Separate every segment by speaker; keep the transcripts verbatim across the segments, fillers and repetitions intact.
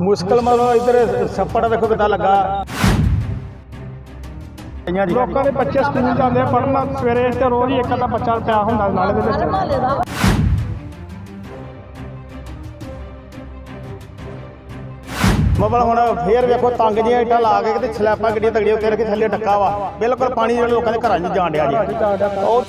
Speaker 1: मुश्किल मतलब इधर छप्पड़ देखो कितना लगा।
Speaker 2: ਲੋਕਾਂ ਦੇ ਬੱਚੇ ਸਕੂਲ ਜਾਂਦੇ ਆ ਪੜ੍ਹਨ ਸਵੇਰੇ ਤੇ ਰੋਜ਼ ਹੀ ਇੱਕ ਅੱਧਾ ਬੱਚਾ ਪਿਆ ਹੁੰਦਾ ਨਾਲੇ ਦੇ ਵਿੱਚ।
Speaker 1: ਮਤਲਬ ਹੁਣ ਫੇਰ ਵੇਖੋ ਤੰਗ ਜਿਹੀਆਂ ਇੱਟਾਂ ਲਾ ਕੇ ਤੇ ਸਲੈਪਾਂ ਗੱਡੀਆਂ ਤਗੜੀਆਂ ਉੱਤੇ ਰੱਖੀ ਥੱਲੇ ਡੱਕਾ ਵਾ ਬਿਲਕੁਲ ਪਾਣੀ ਜਿਹੜੇ ਲੋਕਾਂ ਦੇ ਘਰਾਂ 'ਚ ਜਾਣ ਡਿਆ ਜੀ। ਉਹ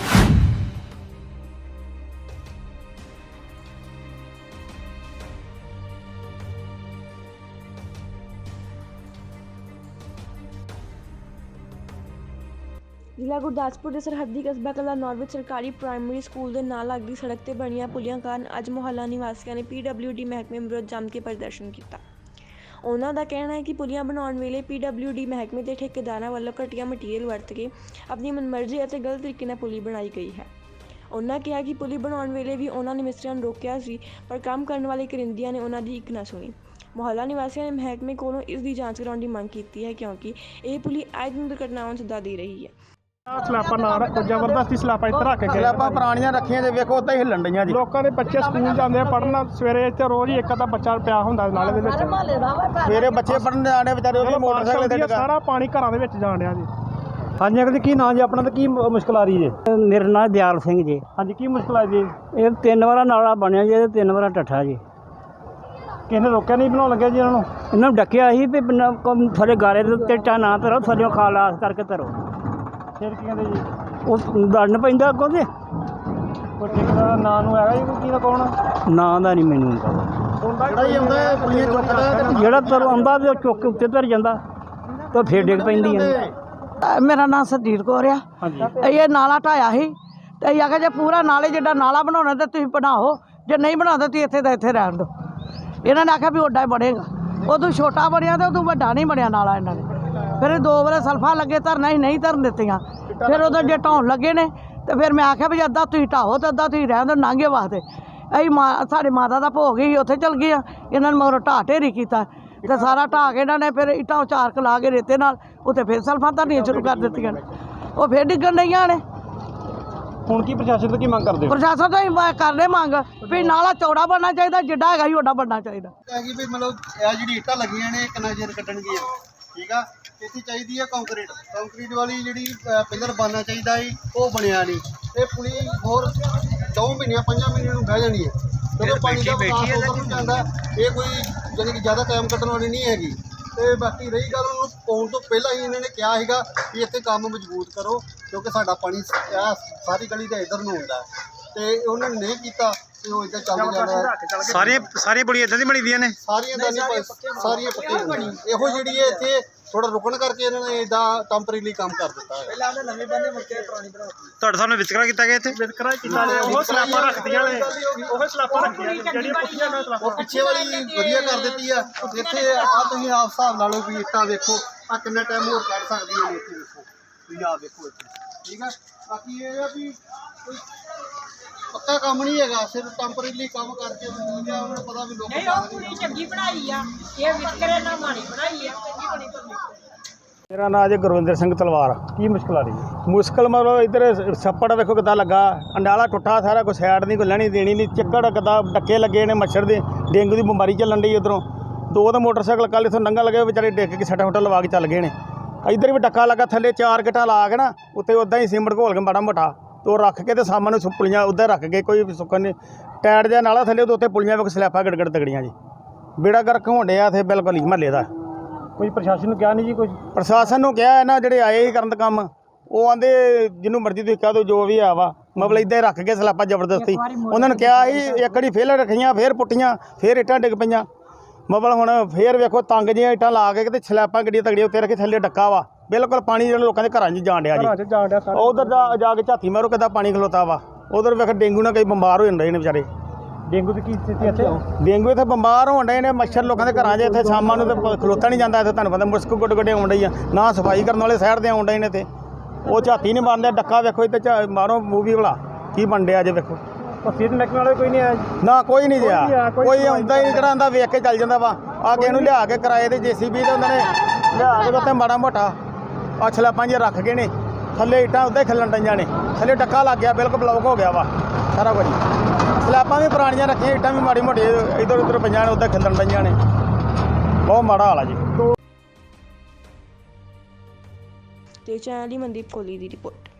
Speaker 3: ਜ਼ਿਲ੍ਹਾ ਗੁਰਦਾਸਪੁਰ ਦੇ ਸਰਹੱਦੀ ਕਸਬਾ ਕਲਾਨੌਰ ਵਿੱਚ ਸਰਕਾਰੀ ਪ੍ਰਾਇਮਰੀ ਸਕੂਲ ਦੇ ਨਾਲ ਲੱਗਦੀ ਸੜਕ ਤੇ ਬਣੀਆਂ ਪੁਲੀਆਂ ਕਾਰਨ ਅੱਜ ਮੁਹੱਲਾ ਨਿਵਾਸੀਆਂ ਨੇ ਪੀ ਡਬਲਿਊ ਡੀ ਮਹਿਕਮੇ ਵਿਰੁੱਧ ਜੰਮ ਕੇ ਪ੍ਰਦਰਸ਼ਨ ਕੀਤਾ। ਉਹਨਾਂ ਦਾ ਕਹਿਣਾ ਹੈ ਕਿ ਪੁਲੀਆਂ ਬਣਾਉਣ ਵੇਲੇ ਪੀ ਡਬਲਿਊ ਡੀ ਮਹਿਕਮੇ ਦੇ ਠੇਕੇਦਾਰਾਂ ਵੱਲੋਂ ਘਟੀਆ ਮਟੀਰੀਅਲ ਵਰਤ ਕੇ ਆਪਣੀ ਮਨਮਰਜ਼ੀ ਅਤੇ ਗਲਤ ਤਰੀਕੇ ਨਾਲ ਪੁਲੀ ਬਣਾਈ ਗਈ ਹੈ। ਉਹਨਾਂ ਕਿਹਾ ਕਿ ਪੁਲੀ ਬਣਾਉਣ ਵੇਲੇ ਵੀ ਉਹਨਾਂ ਨੇ ਮਿਸਤਰੀਆਂ ਨੂੰ ਰੋਕਿਆ ਸੀ, ਪਰ ਕੰਮ ਕਰਨ ਵਾਲੇ ਕਰਿੰਦਿਆਂ ਨੇ ਉਹਨਾਂ ਦੀ ਇੱਕ ਨਾ ਸੁਣੀ। ਮੁਹੱਲਾ ਨਿਵਾਸੀਆਂ ਨੇ ਮਹਿਕਮੇ ਕੋਲੋਂ ਇਸ ਦੀ ਜਾਂਚ ਕਰਾਉਣ ਦੀ ਮੰਗ ਕੀਤੀ ਹੈ, ਕਿਉਂਕਿ ਇਹ ਪੁਲੀ ਆਏ ਦਿਨ ਦੁਰਘਟਨਾਵਾਂ ਨੂੰ ਸੱਦਾ ਦੇ ਰਹੀ ਹੈ।
Speaker 2: ਸਲਾਪਾਂ ਨਾ ਰੱਖੋ, ਜ਼ਬਰਦਸਤੀ ਸਲਾਪਾਂ ਇੱਥੇ ਰੱਖ ਕੇ
Speaker 1: ਸਲੈਪਾਂ ਪੁਰਾਣੀਆਂ ਰੱਖੀਆਂ ਜੇ ਵੇਖੋ ਉੱਦਾਂ ਹੀ ਹਿੱਲਣ ਡਈਆਂ ਜੀ।
Speaker 2: ਲੋਕਾਂ ਦੇ ਬੱਚੇ ਸਕੂਲ ਜਾਂਦੇ ਆ ਪੜ੍ਹਨ ਸਵੇਰੇ ਤੇ ਰੋਜ਼ ਹੀ ਇੱਕ ਅੱਧਾ ਬੱਚਾ ਪਿਆ ਹੁੰਦਾ ਨਾਲੇ ਦੇ ਵਿੱਚ।
Speaker 1: ਸਵੇਰੇ ਬੱਚੇ ਪੜ੍ਹਨ ਜਾਣੇ ਵਿਚਾਰੇ ਉਹ ਵੀ ਮੋਟਰਸਾਈਕਲ ਤੇ ਲਗਾ
Speaker 2: ਸਾਰਾ ਪਾਣੀ ਘਰਾਂ ਦੇ ਵਿੱਚ ਜਾਣ ਡਿਆ ਜੀ।
Speaker 1: ਹਾਂਜੀ ਅੰਕਲ ਜੀ ਕੀ ਨਾਂ ਜੀ ਆਪਣਾ ਤੇ ਕੀ ਮੁਸ਼ਕਲ ਆ ਰਹੀ ਜੀ?
Speaker 4: ਮੇਰਾ ਨਾਂ ਦਿਆਲ ਸਿੰਘ ਜੀ।
Speaker 1: ਹਾਂਜੀ ਕੀ ਮੁਸ਼ਕਲ ਆ ਜੀ?
Speaker 4: ਇਹ ਤਿੰਨ ਵਾਰਾ ਨਾਲਾ ਬਣਿਆ ਜੀ, ਇਹ ਤਿੰਨ ਵਾਰਾ ਟੱਠਾ ਜੀ।
Speaker 1: ਕਿਸੇ ਨੇ ਰੋਕਿਆ ਨਹੀਂ ਬਣਾਉਣ ਲੱਗਿਆ ਜੀ ਇਹਨਾਂ ਨੂੰ?
Speaker 4: ਇਹਨਾਂ ਨੂੰ ਡੱਕਿਆ ਸੀ ਵੀ ਥੱਲੇ ਗਾਰੇ ਦੇ ਉੱਤੇ ਟਾ ਨਾ ਧਰੋ, ਥੱਲੇ ਖਾਲਾਸ ਕਰਕੇ ਧਰੋ।
Speaker 1: ਫਿਰ ਕੀ ਕਹਿੰਦੇ ਜੀ?
Speaker 4: ਉਹ ਲੜਨ ਪੈਂਦਾ ਅੱਗੋਂ ਤੇ
Speaker 1: ਕੋਈ ਠੇਕੇਦਾਰ ਦਾ ਨਾਂ ਨੂੰ ਹੈਗਾ ਜੀ ਕੋਈ ਕੀ ਦਾ ਕੌਣ?
Speaker 4: ਨਾਂ ਦਾ ਨਹੀਂ ਮੈਨੂੰ
Speaker 1: ਜਿਹੜਾ ਹੀ ਆਉਂਦਾ ਹੈ ਪੁਲੀਆਂ ਚੁੱਕਦਾ
Speaker 4: ਜਿਹੜਾ ਤਰ ਆਉਂਦਾ ਤੇ ਉਹ ਚੁੱਕ ਕੇ ਉੱਤੇ ਧਰ ਜਾਂਦਾ ਤੇ ਫੇਰ ਡਿੱਗ ਪੈਂਦੀ ਹੈ।
Speaker 5: ਮੇਰਾ ਨਾਮ ਸਰਜੀਤ ਕੌਰ ਆ। ਇਹ ਨਾਲਾ ਢਾਇਆ ਸੀ ਤੇ ਅਸੀਂ ਆਖਿਆ ਜੇ ਪੂਰਾ ਨਾਲੇ ਜਿੱਡਾ ਨਾਲਾ ਬਣਾਉਣਾ ਤਾਂ ਤੁਸੀਂ ਬਣਾਓ, ਜੇ ਨਹੀਂ ਬਣਾਉਂਦੇ ਤੁਸੀਂ ਇੱਥੇ ਦਾ ਇੱਥੇ ਰਹਿਣ ਦਿਓ। ਇਹਨਾਂ ਨੇ ਆਖਿਆ ਵੀ ਓਡਾ ਹੀ ਬਣੇਗਾ, ਉਦੋਂ ਛੋਟਾ ਬਣਿਆ ਤੇ ਉਦੋਂ ਵੱਡਾ ਨਹੀਂ ਬਣਿਆ ਨਾਲਾ। ਇਹਨਾਂ ਨੇ ਫਿਰ ਦੋ ਵਾਰ ਸਲਫਾਂ ਲੱਗੇ ਧਰਨਾ ਹੀ ਨਹੀਂ ਧਰਨ ਦਿੱਤੀਆਂ। ਫਿਰ ਉਦੋਂ ਜੇ ਢਾਉਣ ਲੱਗੇ ਨੇ ਤੇ ਫਿਰ ਮੈਂ ਆਖਿਆ ਵੀ ਅੱਧਾ ਤੁਸੀਂ ਢਾਹੋ ਤੇ ਅੱਧਾ ਤੁਸੀਂ ਰਹਿਣ ਦਿਓ ਨਾਂਗੇ ਵਾਸਤੇ। ਅਸੀਂ ਮਾਂ ਸਾਡੇ ਮਾਤਾ ਦਾ ਭੋਗ ਹੀ ਉੱਥੇ ਚਲ ਗਏ ਆ, ਇਹਨਾਂ ਨੇ ਮਗਰੋਂ ਢਾਹ ਢੇਰੀ ਕੀਤਾ ਤੇ ਸਾਰਾ ਢਾਹ ਕੇ ਇਹਨਾਂ ਨੇ ਫਿਰ ਇੱਟਾਂ ਉਚਾਰ ਲਾ ਕੇ ਰੇਤੇ ਨਾਲ ਉੱਥੇ ਫਿਰ ਸਲਫਾਂ ਧਰਨੀਆਂ ਸ਼ੁਰੂ ਕਰ ਦਿੱਤੀਆਂ ਨੇ। ਉਹ ਫਿਰ ਡਿੱਗਣ ਡਈਆਂ ਨੇ।
Speaker 1: ਹੁਣ ਕੀ ਪ੍ਰਸ਼ਾਸਨ ਤੋਂ ਕੀ ਮੰਗ ਕਰਦੇ ਹੋ?
Speaker 5: ਪ੍ਰਸ਼ਾਸਨ ਤੋਂ ਹੀ ਕਰਦੇ ਮੰਗ ਵੀ ਨਾਲਾ ਚੌੜਾ ਬਣਨਾ ਚਾਹੀਦਾ, ਜਿੱਡਾ ਹੈਗਾ ਹੀ ਓਡਾ ਬਣਨਾ ਚਾਹੀਦਾ।
Speaker 6: ਹੈਗੀ ਵੀ ਮਤਲਬ ਇਹ ਜਿਹੜੀ ਇੱਟਾਂ ਲੱਗੀਆਂ ਨੇ ਕਿੰਨਾ ਚਿਰ ਕੱਢਣਗੀਆਂ, ਠੀਕ ਆ। ਇੱਥੇ ਚਾਹੀਦੀ ਹੈ ਕੰਕਰੀਟ ਕੰਕਰੀਟ ਵਾਲੀ ਜਿਹੜੀ ਪਿਲਰ ਬਣਨਾ ਚਾਹੀਦਾ ਸੀ, ਉਹ ਬਣਿਆ ਨਹੀਂ। ਇਹ ਪੁਲੀ ਹੋਰ ਦੋ ਮਹੀਨਿਆਂ ਪੰਜਾਂ ਮਹੀਨਿਆਂ ਨੂੰ ਬਹਿ ਜਾਣੀ ਹੈ ਜਦੋਂ ਪਾਣੀ ਦਾ ਵਿਕਾਸ ਉਧਰ ਨੂੰ ਜਾਂਦਾ। ਇਹ ਕੋਈ ਜਾਣੀ ਕਿ ਜ਼ਿਆਦਾ ਟਾਈਮ ਕੱਢਣ ਵਾਲੀ ਨਹੀਂ ਹੈਗੀ। ਤੇ ਬਾਕੀ ਰਹੀ ਗੱਲ, ਉਹਨੂੰ ਪਾਉਣ ਤੋਂ ਪਹਿਲਾਂ ਹੀ ਇਹਨਾਂ ਨੇ ਕਿਹਾ ਸੀਗਾ ਕਿ ਇੱਥੇ ਕੰਮ ਮਜ਼ਬੂਤ ਕਰੋ, ਕਿਉਂਕਿ ਸਾਡਾ ਪਾਣੀ ਇਹ ਸਾਰੀ ਗਲੀ ਦੇ ਇੱਧਰ ਨੂੰ ਹੁੰਦਾ ਤੇ ਉਹਨਾਂ ਨੇ ਨਹੀਂ ਕੀਤਾ ਤੇ ਉਹ ਇੱਧਰ ਚੱਲ ਜਾਣਾ।
Speaker 1: ਸਾਰੀਆਂ ਸਾਰੀਆਂ ਬੜੀਆਂ ਇਦਾਂ ਦੀ ਬਣੀ ਦੀਆਂ ਨੇ,
Speaker 6: ਸਾਰੀਆਂ ਦਾ ਨਹੀਂ, ਸਾਰੀਆਂ ਪੱਕੀਆਂ ਬਣੀ। ਇਹੋ ਜਿਹੜੀ ਹੈ ਇੱਥੇ ਥੋੜਾ ਰੁਕਣ ਕਰਕੇ ਇਹਨਾਂ ਨੇ ਇਦਾਂ ਟੈਂਪਰੇਰੀ ਕੰਮ ਕਰ ਦਿੱਤਾ ਹੈ। ਪਹਿਲਾਂ ਉਹਨੇ ਨਵੇਂ ਬੰਦੇ ਮੁੜ ਕੇ ਪੁਰਾਣੀ ਬਣਾ ਦਿੱਤੀ।
Speaker 1: ਤੁਹਾਡੇ ਸਾਹਮਣੇ ਵਿਤਕਰਾ ਕੀਤਾ ਗਿਆ ਇੱਥੇ?
Speaker 2: ਵਿਤਕਰਾ ਕੀਤਾ ਨੇ, ਉਹ ਸਲਾਪਾਂ ਰੱਖਦੀਆਂ ਨੇ, ਉਹ ਸਲਾਪਾਂ ਰੱਖੀਆਂ ਜਿਹੜੀਆਂ ਪੁੱਠੀਆਂ ਨੇ ਸਲਾਪਾਂ।
Speaker 6: ਉਹ ਪਿੱਛੇ ਵਾਲੀ ਵਧੀਆ ਕਰ ਦਿੱਤੀ ਆ। ਇੱਥੇ ਆ ਤੁਸੀਂ ਆਪ ਹਿਸਾਬ ਲਾ ਲਓ ਵੀ ਇੱਟਾਂ ਵੇਖੋ ਆ ਕਿੰਨਾ ਟਾਈਮ ਹੋਰ ਕੱਢ ਸਕਦੀਆਂ ਨੇ। ਇੱਥੇ ਵੇਖੋ ਤੁਸੀਂ ਆ ਵੇਖੋ ਇੱਥੇ, ਠੀਕ ਆ। ਬਾਕੀ ਇਹ ਆ ਵੀ ਕੋਈ ਪੱਕਾ ਕੰਮ ਨਹੀਂ ਹੈਗਾ, ਸਿਰਫ ਟੈਂਪਰੇਰੀ ਕੰਮ ਕਰਕੇ ਉਹਨਾਂ ਨੂੰ ਪਤਾ ਵੀ ਲੋਕ
Speaker 7: ਨਹੀਂ ਉਹ ਪੂਰੀ ਚੰਗੀ ਬਣਾਈ ਆ, ਇਹ ਵਿਤਕਰੇ ਨਾਲ ਮਾੜੀ ਬਣਾਈ ਆ, ਚੰਗੀ ਬਣੀ ਬਣੀ।
Speaker 1: ਮੇਰਾ ਨਾਮ ਜੀ ਗੁਰਵਿੰਦਰ ਸਿੰਘ ਤਲਵਾਰ। ਕੀ ਮੁਸ਼ਕਲ ਆ ਰਹੀ ਹੈ? ਮੁਸ਼ਕਲ ਮਤਲਬ ਇੱਧਰ ਛੱਪੜ ਵੇਖੋ ਕਿੱਦਾਂ ਲੱਗਾ, ਅੰਡਾਲਾ ਟੁੱਟਾ ਸਾਰਾ, ਕੋਈ ਸਾਈਡ ਨਹੀਂ, ਕੋਈ ਲੈਣੀ ਦੇਣੀ ਨਹੀਂ। ਚੱਕੜ ਕਿੱਦਾਂ ਡੱਕੇ ਲੱਗੇ ਨੇ, ਮੱਛਰ ਦੇ ਡੇਂਗੂ ਦੀ ਬਿਮਾਰੀ ਚੱਲਣ ਡਈ। ਉੱਧਰੋਂ ਦੋ ਤਾਂ ਮੋਟਰਸਾਈਕਲ ਕੱਲ੍ਹ ਇੱਥੋਂ ਨੰਗਾ ਲੱਗੇ ਵਿਚਾਰੇ ਡਿੱਗ ਕੇ ਸੱਟਾਂ ਫੁੱਟਾਂ ਲਵਾ ਕੇ ਚੱਲ ਗਏ ਨੇ। ਇੱਧਰ ਵੀ ਡੱਕਾ ਲੱਗਾ, ਥੱਲੇ ਚਾਰ ਗਿੱਟਾਂ ਲਾ ਕੇ ਨਾ ਉੱਤੇ ਉੱਦਾਂ ਹੀ ਸੀਮਟ ਘੋਲ ਕੇ ਮਾੜਾ ਮੋਟਾ ਤੇ ਉਹ ਰੱਖ ਕੇ ਤੇ ਸਾਹਮਣੇ ਪੁਲੀਆਂ ਉੱਧਰ ਰੱਖ ਕੇ ਕੋਈ ਸੁੱਕਣ ਨਹੀਂ ਟਾਇਰ ਜਿਹਾ ਨਾਲਾ ਥੱਲੇ ਉੱਤੇ ਪੁਲੀਆਂ ਵੇਖ ਸਲੈਪਾਂ ਗੜਗੜ ਤਗੜੀਆਂ ਜੀ। ਬੇੜਾ ਗਰਕ ਹੋਣ ਡਿਆ ਇੱਥੇ ਬਿਲਕੁਲ ਹੀ ਮਹੱਲੇ ਦਾ।
Speaker 2: ਕੋਈ ਪ੍ਰਸ਼ਾਸਨ ਨੂੰ ਕਿਹਾ ਨਹੀਂ ਜੀ? ਕੁਝ
Speaker 1: ਪ੍ਰਸ਼ਾਸਨ ਨੂੰ ਕਿਹਾ ਇਹਨਾਂ ਜਿਹੜੇ ਆਏ ਹੀ ਕਰਨ ਦਾ ਕੰਮ, ਉਹ ਆਂਦੇ ਜਿਹਨੂੰ ਮਰਜ਼ੀ ਤੁਸੀਂ ਕਹਿ ਦਿਓ ਜੋ ਵੀ ਆ ਵਾ, ਮਤਲਬ ਇੱਦਾਂ ਹੀ ਰੱਖ ਕੇ ਸਲਾਪਾਂ ਜ਼ਬਰਦਸਤੀ। ਉਹਨਾਂ ਨੇ ਕਿਹਾ ਸੀ ਇੱਕ ਵਾਰੀ ਫੇਲ ਰੱਖੀਆਂ, ਫੇਰ ਪੁੱਟੀਆਂ, ਫੇਰ ਇੱਟਾਂ ਡਿੱਗ ਪਈਆਂ। ਮਤਲਬ ਹੁਣ ਫੇਰ ਵੇਖੋ ਤੰਗ ਜਿਹੀਆਂ ਇੱਟਾਂ ਲਾ ਕੇ ਤੇ ਸਲੈਪਾਂ ਗੱਡੀਆਂ ਤਗੜੀਆਂ ਉੱਤੇ ਰੱਖੇ ਥੱਲੇ ਡੱਕਾ ਵਾ ਬਿਲਕੁਲ ਪਾਣੀ ਜਿਹੜਾ ਲੋਕਾਂ ਦੇ ਘਰਾਂ 'ਚ ਜਾਣ ਡਿਆ ਜੀ। ਉਧਰ ਜਾ ਜਾ ਕੇ ਝਾਤੀ ਮਾਰੋ ਕਿੱਦਾਂ ਪਾਣੀ ਖਲੋਤਾ ਵਾ। ਉਧਰ ਵੇਖ ਡੇਂਗੂ ਨਾਲ ਕਈ ਬਿਮਾਰ ਹੋ ਜਾਂਦੇ ਨੇ ਵਿਚਾਰੇ।
Speaker 2: ਡੇਂਗੂ ਦੀ ਕੀ ਸਥਿਤੀ ਇੱਥੇ?
Speaker 1: ਡੇਂਗੂ ਇੱਥੇ ਬਿਮਾਰ ਹੋਣ ਡਏ ਨੇ, ਮੱਛਰ ਲੋਕਾਂ ਦੇ ਘਰਾਂ 'ਚ ਇੱਥੇ ਸ਼ਾਮਾਂ ਨੂੰ ਤੇ ਖਲੋਤਾ ਨਹੀਂ ਜਾਂਦਾ। ਇੱਥੇ ਤੁਹਾਨੂੰ ਪਤਾ ਮੁਸ਼ਕ ਗੁੱਡ ਗੁੱਡੇ ਆਉਣ ਡਈ ਆ, ਨਾ ਸਫਾਈ ਕਰਨ ਵਾਲੇ ਸਾਈਡ 'ਤੇ ਆਉਣ ਡਏ ਨੇ। ਇੱਥੇ ਉਹ ਝਾਤੀ ਨਹੀਂ ਮਾਰਦੇ, ਡੱਕਾ ਵੇਖੋ ਇੱਥੇ ਮਾਰੋ ਮੂਵੀ ਵਾਲਾ ਕੀ ਬਣ ਡਿਆ ਜੇ ਵੇਖੋ।
Speaker 2: ਸੀਟ ਨੱਕਣ ਵਾਲੇ ਕੋਈ ਨਹੀਂ ਆਇਆ?
Speaker 1: ਨਾ ਕੋਈ ਨਹੀਂ ਜਿਆ, ਕੋਈ ਆਉਂਦਾ ਹੀ ਨਹੀਂ, ਜਿਹੜਾ ਆਉਂਦਾ ਵੇਖ ਕੇ ਚੱਲ ਜਾਂਦਾ ਵਾ। ਆ ਕੇ ਇਹਨੂੰ ਲਿਆ ਕੇ ਕਿਰਾਏ ਦੇ ਜੇਸੀਬੀ ਤੇ ਉਹਨਾਂ ਨੇ ਲਿਆ ਕੇ ਉੱਤੇ ਮਾੜਾ ਮੋਟਾ ਆ ਸਲੈਪਾਂ ਜਿਹੀਆਂ ਰੱਖ ਗਏ ਨੇ, ਥੱਲੇ ਇੱਟਾਂ ਉੱਤੇ ਖਿਲਣ ਡਈਆਂ ਨੇ, ਥੱਲੇ ਡੱਕਾ ਲੱਗ ਗਿਆ, ਬਿਲਕੁਲ ਬਲੌਕ ਹੋ ਗਿਆ ਵਾ ਸਾਰਾ ਕੁਝ। ਸਲੈਪਾਂ ਵੀ ਪੁਰਾਣੀਆਂ ਰੱਖੀਆਂ, ਇੱਟਾਂ ਵੀ ਮਾੜੀ ਮੋਟੀ ਇੱਧਰ ਉੱਧਰ ਪਈਆਂ ਨੇ, ਉੱਤੇ ਖਿਲਣ ਡਈਆਂ ਨੇ। ਬਹੁਤ ਮਾੜਾ ਹਾਲ ਆ ਜੀ।
Speaker 3: ਤੇ ਚੈਨਲ ਦੀ ਮਨਦੀਪ ਕੋਹਲੀ ਦੀ ਰਿਪੋਰਟ।